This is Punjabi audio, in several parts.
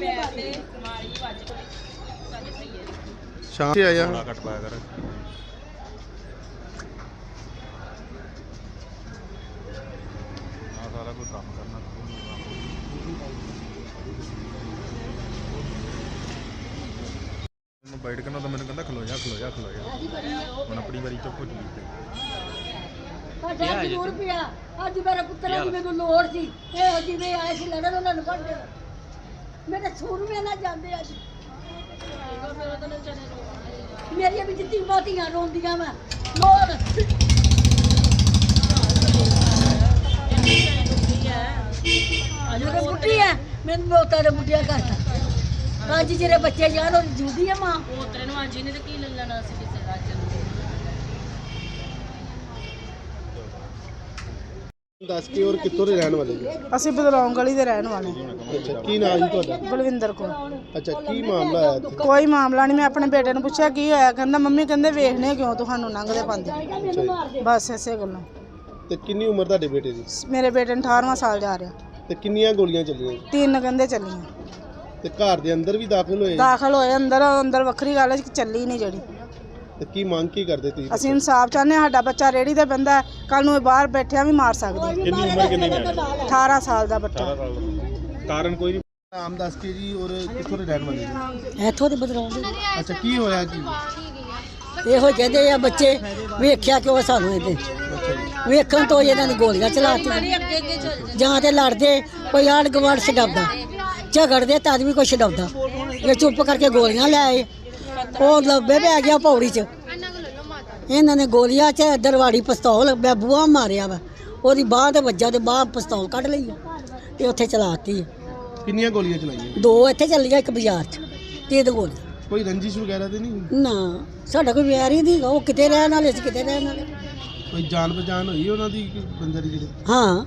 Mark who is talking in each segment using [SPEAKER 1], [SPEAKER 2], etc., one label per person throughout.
[SPEAKER 1] शाम से आया
[SPEAKER 2] कट पाया कर सारा कोई काम करना बैठ के ना तो मैंने कहता खलो जा मैं अपनी बारी चुप हो चुकी
[SPEAKER 3] ਅੱਜ ਮੇਰਾ ਪੁੱਤਰ ਦੀ ਮੈਨੂੰ ਲੋੜ ਸੀ ਇਹ ਜਿਵੇਂ ਆਏ ਸੀ ਲੜਨ ਉਹਨਾਂ ਨੂੰ ਕੱਢ ਦੇਣਾ ਮੇਰੇ ਸੂਰਮੇ ਨਾਲ ਜਾਂਦੇ ਅੱਜ ਮੇਰੀਆਂ ਵੀ ਜਿੱਤੀ ਬਾਤੀਆਂ ਰੋਂਦੀਆਂ ਮੈਂ ਲੋੜ ਅਜੇ ਬੁੱਢੀ ਹੈ ਮੈਨੂੰ ਮੋਤਾ ਦੇ ਬੁੱਢਿਆ ਕਰਤਾ ਅੱਜ ਜਿਹੜੇ ਬੱਚੇ ਜਾਨ ਉਹ ਜੂਦੀ ਆ ਮਾਂ ਪੋਤਰੇ ਨੂੰ ਅੱਜ ਇਹਨੇ ਤੇ ਕੀ ਲੈ ਲੈਣਾ ਸੀ ਕਿਸੇ ਰਾਜ ਨੂੰ
[SPEAKER 1] दस के और कितों के रहने वाले जी
[SPEAKER 4] ਅਸੀਂ ਬਦਲੌਂਗ ਗਲੀ ਦੇ ਰਹਿਣ ਵਾਲੇ
[SPEAKER 1] अच्छा की नाम जी ਤੁਹਾਡਾ
[SPEAKER 4] ਬਲਵਿੰਦਰ ਕੌਰ
[SPEAKER 1] अच्छा की मामला आया ਇੱਥੇ
[SPEAKER 4] ਕੋਈ ਮਾਮਲਾ ਨਹੀਂ ਮੈਂ ਆਪਣੇ ਬੇਟੇ ਨੂੰ ਪੁੱਛਿਆ ਕੀ ਹੋਇਆ ਕਹਿੰਦਾ ਮੰਮੀ ਕਹਿੰਦੇ ਵੇਖਣੇ ਕਿਉਂ ਤੁਹਾਨੂੰ ਲੰਘਦੇ ਪਾਉਂਦੇ ਬਸ ਐਸੇ ਗੱਲੋਂ
[SPEAKER 1] ਤੇ ਕਿੰਨੀ ਉਮਰ ਤੁਹਾਡੇ ਬੇਟੇ ਦੀ
[SPEAKER 4] ਮੇਰੇ ਬੇਟੇ ਨੂੰ 18ਵਾਂ ਸਾਲ ਜਾ ਰਿਹਾ
[SPEAKER 1] ਤੇ ਕਿੰਨੀਆਂ ਗੋਲੀਆਂ ਚੱਲੀਆਂ
[SPEAKER 4] 3 ਕਹਿੰਦੇ ਚੱਲੀਆਂ
[SPEAKER 1] ਤੇ ਘਰ ਦੇ ਅੰਦਰ ਵੀ ਦਾਖਲ ਹੋਏ
[SPEAKER 4] ਦਾਖਲ ਹੋਏ ਅੰਦਰ ਵੱਖਰੀ ਗੱਲ ਹੈ ਕਿ ਚੱਲੀ ਨਹੀਂ ਜਿਹੜੀ
[SPEAKER 1] ਤੇ ਕੀ ਮੰਗ ਕੀ ਕਰਦੇ ਤੁਸੀਂ
[SPEAKER 4] ਅਸੀਂ ਇਨਸਾਫ ਚਾਹੁੰਦੇ ਹਾਂ ਸਾਡਾ ਬੱਚਾ ਰੇੜੀ ਤੇ ਬੰਦਾ ਕੱਲ ਨੂੰ ਇਹ ਬਾਹਰ ਬੈਠਿਆ ਵੀ ਮਾਰ ਸਕਦੀ ਹੈ
[SPEAKER 2] ਕਿੰਨੀ ਉਮਰ ਕਿੰਨੀ ਹੈ
[SPEAKER 4] 18 ਸਾਲ ਦਾ ਬੱਚਾ
[SPEAKER 2] ਕਾਰਨ ਕੋਈ
[SPEAKER 1] ਨਾਮ ਦੱਸ ਕੇ ਜੀ ਔਰ ਕਿੱਥੋਂ ਦੇ ਰਹਿਣ ਵਾਲੇ ਜੀ
[SPEAKER 3] ਇੱਥੋਂ ਦੇ ਬਦਲਾਉਂਦੇ
[SPEAKER 1] ਅੱਛਾ ਕੀ ਹੋਇਆ ਕੀ
[SPEAKER 3] ਇਹੋ ਕਹਿੰਦੇ ਆ ਬੱਚੇ ਵੇਖਿਆ ਕਿਉਂ ਸਾਨੂੰ ਇਹਦੇ ਵੇਖਣ ਤੋਂ ਇਹਨਾਂ ਨੇ ਗੋਲੀਆਂ ਚਲਾਤੀਆਂ ਜਾਂ ਤੇ ਲੜਦੇ ਕੋਈ ਆੜ ਗਵਾੜ ਛਡਾਉਂਦਾ ਝਗੜਦੇ ਤਦ ਵੀ ਕੋਈ ਛਡਾਉਂਦਾ ਇਹ ਚੁੱਪ ਕਰਕੇ ਗੋਲੀਆਂ ਲੈ ਆਏ ਉਹ ਲੱਭੇ ਪੈ ਗਿਆ ਪੌੜੀ 'ਚ ਇਹਨਾਂ ਨੇ ਗੋਲੀਆਂ 'ਚ ਦਰਵਾੜੀ ਪਿਸਤੌਲ ਬੂਹਾ ਮਾਰਿਆ ਵਾ ਉਹਦੀ ਬਾਹ ਤੇ ਵੱਜਾ ਤੇ ਬਾਹ ਪਿਸਤੌਲ ਕੱਢ ਲਈ ਆ ਤੇ ਉੱਥੇ ਚਲਾਤੀ
[SPEAKER 1] ਕਿੰਨੀਆਂ ਗੋਲੀਆਂ ਚਲਾਈਆਂ
[SPEAKER 3] 2 ਇੱਥੇ ਚੱਲੀਆਂ 1 ਬਾਜ਼ਾਰ 'ਚ 3 ਗੋਲੀਆਂ
[SPEAKER 1] ਕੋਈ ਰੰਜਿਸ਼ ਵਗੈਰਾ ਤੇ ਨਹੀਂ
[SPEAKER 3] ਨਾ ਸਾਡਾ ਕੋਈ ਵਿਆਹ ਹੀ ਨਹੀਂ ਉਹ ਕਿਤੇ ਰਹਿਣ ਵਾਲੇ ਸੀ ਕਿਤੇ ਰਹਿਣ ਵਾਲੇ
[SPEAKER 1] ਕੋਈ ਜਾਣ ਪਛਾਣ ਹੋਈ ਉਹਨਾਂ ਦੀ ਬੰਦੇ ਦੀ ਜਿਹੜੇ
[SPEAKER 3] ਹਾਂ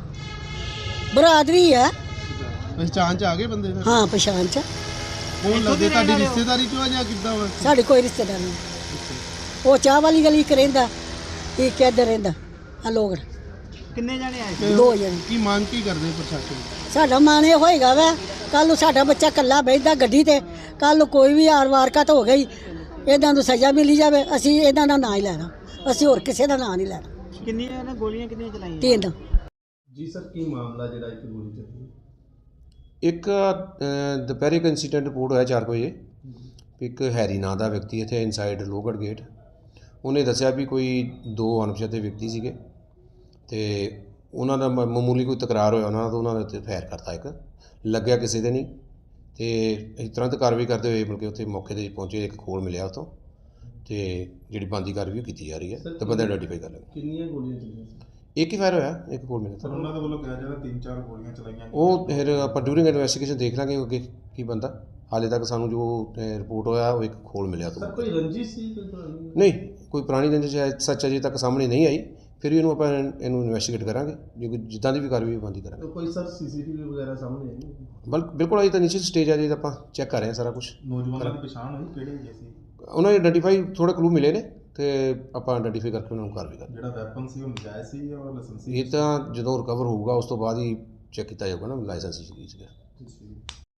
[SPEAKER 3] ਬਰਾਦਰੀ ਹੈ
[SPEAKER 1] ਪਛਾਣ ਚ ਆ ਗਏ ਬੰਦੇ ਫਿਰ
[SPEAKER 3] ਹਾਂ ਪਛਾਣ ਚ
[SPEAKER 1] ਕੌਣ ਲੱਗਦੇ ਤੁਹਾਡੀ ਰਿਸ਼ਤੇਦਾਰੀ ਚੋਂ ਆ ਜਾਂ ਕਿੱਦਾਂ ਵਾ
[SPEAKER 3] ਸਾਡੇ ਕੋਈ ਰਿਸ਼ਤੇਦਾਰ ਨਹੀਂ ਉਹ ਚਾਹ ਵਾਲੀ ਗਲੀ ਇੱਕ ਰਹਿੰਦਾ ਇੱਕ ਇੱਧਰ ਰਹਿੰਦਾ ਆ ਲੋਕ
[SPEAKER 1] ਕਿੰਨੇ ਜਾਣੇ ਆਏ
[SPEAKER 3] 2 ਜਣੇ
[SPEAKER 1] ਕੀ ਮੰਗ ਕੀ ਕਰਦੇ ਪ੍ਰਸ਼ਾਸਨ
[SPEAKER 3] ਸਾਡਾ ਮਨ ਇਹ ਹੋਏਗਾ ਵਾ ਕੱਲ ਨੂੰ ਸਾਡਾ ਬੱਚਾ ਇਕੱਲਾ ਬੈਠਦਾ ਗੱਡੀ ਤੇ ਕੱਲ ਨੂੰ ਕੋਈ ਵੀ ਵਾਰਕਤ ਹੋ ਗਈ ਇਹਨਾਂ ਨੂੰ ਸਜ਼ਾ ਮਿਲੀ ਜਾਵੇ ਅਸੀਂ ਇਹਨਾਂ ਦਾ ਨਾਂ ਹੀ ਲੈਣਾ ਅਸੀਂ ਹੋਰ ਕਿਸੇ ਦਾ ਨਾਂ ਨਹੀਂ ਲੈਣਾ
[SPEAKER 1] ਕਿੰਨੀਆਂ ਨੇ ਗੋਲੀਆਂ ਕਿੰਨੀਆਂ ਚਲਾਈਆਂ
[SPEAKER 3] 3
[SPEAKER 1] ਜੀ ਸਰ ਕੀ ਮਾਮਲਾ ਜਿਹੜਾ ਇੱਕ ਗੋਲੀ ਚੱਲੀ
[SPEAKER 5] ਇੱਕ ਦੁਪਹਿਰੇ ਇੱਕ ਇੰਸੀਡੈਂਟ ਰਿਪੋਰਟ ਹੋਇਆ 4 ਵਜੇ ਇੱਕ ਹੈਰੀ ਨਾਂ ਦਾ ਵਿਅਕਤੀ ਇੱਥੇ ਇਨਸਾਈਡ ਲੋਹਗੜ੍ਹ ਗੇਟ ਉਹਨੇ ਦੱਸਿਆ ਵੀ ਕੋਈ 2 ਅਣਪਛਾਤੇ ਵਿਅਕਤੀ ਸੀਗੇ ਤੇ ਉਹਨਾਂ ਦਾ ਮਾਮੂਲੀ ਕੋਈ ਤਕਰਾਰ ਹੋਇਆ ਉਹਨਾਂ ਦਾ ਉਹਨਾਂ ਦੇ ਉੱਤੇ ਫਾਇਰ ਕਰਤਾ ਇੱਕ ਲੱਗਿਆ ਕਿਸੇ ਦੇ ਨਹੀਂ ਤੇ ਅਸੀਂ ਤੁਰੰਤ ਕਾਰਵਾਈ ਕਰਦੇ ਹੋਏ ਬਲਕਿ ਉੱਥੇ ਮੌਕੇ 'ਤੇ ਪਹੁੰਚੇ ਇੱਕ ਖੋਲ ਮਿਲਿਆ ਉੱਥੋਂ ਤੇ ਜਿਹੜੀ ਬਣਦੀ ਕਾਰਵਾਈ ਕੀਤੀ ਜਾ ਰਹੀ ਹੈ ਤੇ ਬੰਦਾ ਆਈਡੈਂਟੀਫਾਈ ਕਰ ਲਿਆ
[SPEAKER 1] ਕਿੰਨੀਆਂ ਗੋਲੀਆਂ ਚੱਲੀਆਂ
[SPEAKER 5] ਇੱਕ ਹੀ ਫਾਇਰ ਹੋਇਆ ਇੱਕ ਖੋਲ ਮਿਲਿਆ
[SPEAKER 2] ਸਰ ਉਹਨਾਂ ਦੇ ਵੱਲੋਂ ਕਿਹਾ ਜਾਂਦਾ 3-4 ਗੋਲੀਆਂ ਚਲਾਈਆਂ
[SPEAKER 5] ਉਹ ਫਿਰ ਆਪਾਂ ਡਿਊਰਿੰਗ ਇਨਵੈਸਟੀਗੇਸ਼ਨ ਦੇਖ ਲਾਂਗੇ ਅੱਗੇ ਕੀ ਬੰਦਾ ਹਾਲੇ ਤੱਕ ਸਾਨੂੰ ਜੋ ਰਿਪੋਰਟ ਹੋਇਆ ਉਹ ਇੱਕ ਖੋਲ ਮਿਲਿਆ ਤੋਂ
[SPEAKER 1] ਕੋਈ ਰੰਜਿਸ਼ ਸੀ ਕੋਈ ਪੁਰਾਣੀ?
[SPEAKER 5] ਨਹੀਂ ਕੋਈ ਪੁਰਾਣੀ ਰੰਜਿਸ਼ ਸੱਚ ਅਜੇ ਤੱਕ ਸਾਹਮਣੇ ਨਹੀਂ ਆਈ ਫਿਰ ਵੀ ਇਹਨੂੰ ਆਪਾਂ ਇਹਨੂੰ ਇਨਵੈਸਟੀਗੇਟ ਕਰਾਂਗੇ ਜੇ ਕੋਈ ਜਿੱਦਾਂ ਦੀ ਵੀ ਕਾਰਵਾਈ ਬੰਦੀ ਕਰਾਂਗੇ
[SPEAKER 1] ਕੋਈ ਸਰ ਸੀਸੀਟੀਵੀ ਵਗੈਰਾ ਸਾਹਮਣੇ ਆਈ
[SPEAKER 5] ਬਿਲਕੁਲ ਅਜੇ ਤਾਂ ਨੀਚੇ ਸਟੇਜ ਆ ਜੇ ਆਪਾਂ ਚੈੱਕ ਕਰ ਰਹੇ ਹਾਂ ਸਾਰਾ ਕੁਝ
[SPEAKER 2] ਨੌਜਵਾਨਾਂ ਦੀ ਪਛਾਣ ਹੋਈ ਕਿਹੜੇ ਹੈਗੇ ਸੀ
[SPEAKER 5] ਉਹਨਾਂ ਨੇ ਆਈਡੈਂਟੀਫਾਈ ਥੋੜੇ ਕਲੂ ਮਿਲੇ ਨੇ ਤੇ ਆਪਾਂ ਆਈਡੈਂਟੀਫਾਈ ਕਰਕੇ ਉਹਨਾਂ ਨੂੰ ਕਾਰਵਾਈ ਕਰਾਂਗੇ
[SPEAKER 2] ਜਿਹੜਾ ਵੈਪਨ ਸੀ ਉਹ ਨਜਾਇਜ਼ ਸੀ ਜਾਂ ਲਾਇਸੈਂਸੀ
[SPEAKER 5] ਇਹ ਤਾਂ ਜਦੋਂ ਰਿਕਵਰ ਹੋਊਗਾ ਉਸ ਤੋਂ ਬਾਅਦ ਹੀ ਚੈੱਕ ਕੀਤਾ ਜਾਊਗਾ ਨਾ ਲਾਇਸੈਂਸ ਸੀਗਾ